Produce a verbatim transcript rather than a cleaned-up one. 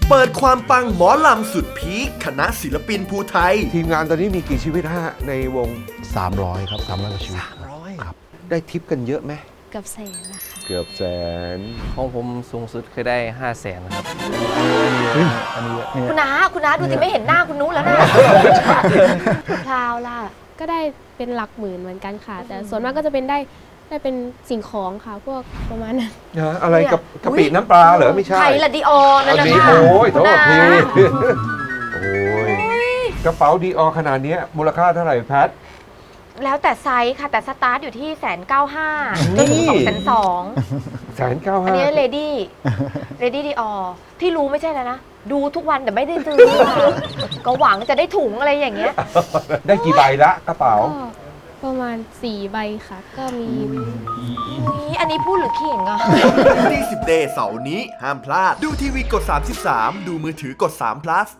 เปิดความปังหมอลำสุดพีคคณะศิลปินภูไทยทีมงานตอนนี้มีกี่ชีวิตฮะในวงสามร้อยครับสามร้อยกว่าชีวิตสามร้อยครับได้ทิปกันเยอะไหมเกือบแสนนะคะเกือบแสนของผมสูงสุดเคยได้ห้าแสนครับอันนี้คุณน้าคุณน้าดูสิไม่เห็นหน้าคุณนุ้แล้วนะพราวล่ะก็ได้เป็นหลักหมื่นเหมือนกันค่ะ แต่ส่วนมากก็จะเป็นได้ได้เป็นสิ่งของค่ะ พวกประมาณนั้นนะอะไรกับกะปิน้ำปลาเหรอไม่ใช่ไทยละดิออนั่นเอานะดีคะโอ้ยโทษทีนะโอ้ยกระเป๋าดีออขนาดนี้มูลค่าเท่าไหร่แพทแล้วแต่ไซส์ค่ะ แต่สตาร์ทอยู่ที่แสนเก้าห้าจนถึงสองแสนสองแสนเก้าอันห้านี้เลดี้เลดี้ดิออที่รู้ไม่ใช่แล้วนะ ดูทุกวันแต่ไม่ได้ซื้อค่ะก็หวังจะได้ถุงอะไรอย่างเงี้ยได้กี่ใบละกระเป๋าก็ประมาณสี่ใบค่ะ ก็มีนี่อันนี้พูดหรือเข่งอ่ะดีสิบ เดย์เสาร์นี้ห้ามพลาดดูทีวีกดสามสิบสามดูมือถือกดสาม plus